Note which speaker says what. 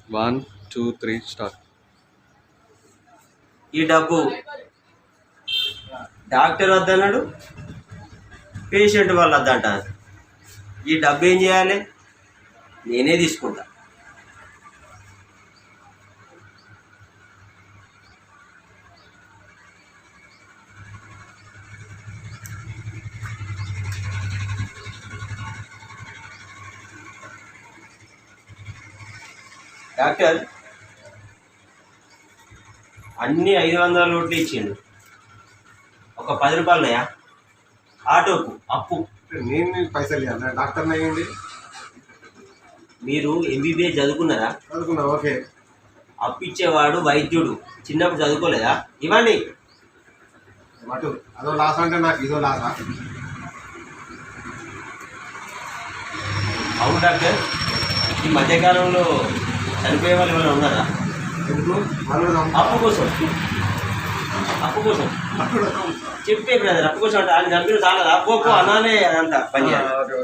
Speaker 1: 1 2 3 start.
Speaker 2: ఈ డబ్బు doctor వద్దన్నాడు, పేషెంట్ వాళ్ళు వద్దంటారు. ఈ డబ్బు ఏం చేయాలి? నేనే తీసుకుంటా. డాక్టర్ అన్ని 500 నోట్లు ఇచ్చిండు. ఒక 10 రూపాయలు ఉన్నాయా? ఆటోకు అప్పు.
Speaker 3: నేను పైసలు ఇవ్వాలి, డాక్టర్ అయ్యింది.
Speaker 2: మీరు ఎంబీబీఎస్ చదువుకున్నారా?
Speaker 3: చదువుకున్నా. ఓకే.
Speaker 2: అప్పు ఇచ్చేవాడు వైద్యుడు. చిన్నప్పుడు చదువుకోలేదా? ఇవ్వండి.
Speaker 3: అటు అదో లాస్ అంటే నాకు ఇదో లాసా?
Speaker 2: అవును డాక్టర్, ఈ మధ్యకాలంలో చనిపోయే వాళ్ళు ఏమైనా ఉన్నారా?
Speaker 3: ఎందుకు వాళ్ళు
Speaker 2: అప్పు కోసం. అప్పు కోసం చెప్పే బ్రదర్, అప్పు కోసం అంటే ఆయన చంపిన చాలా అప్పు అన్నానే అదంతా పని చేయాలి.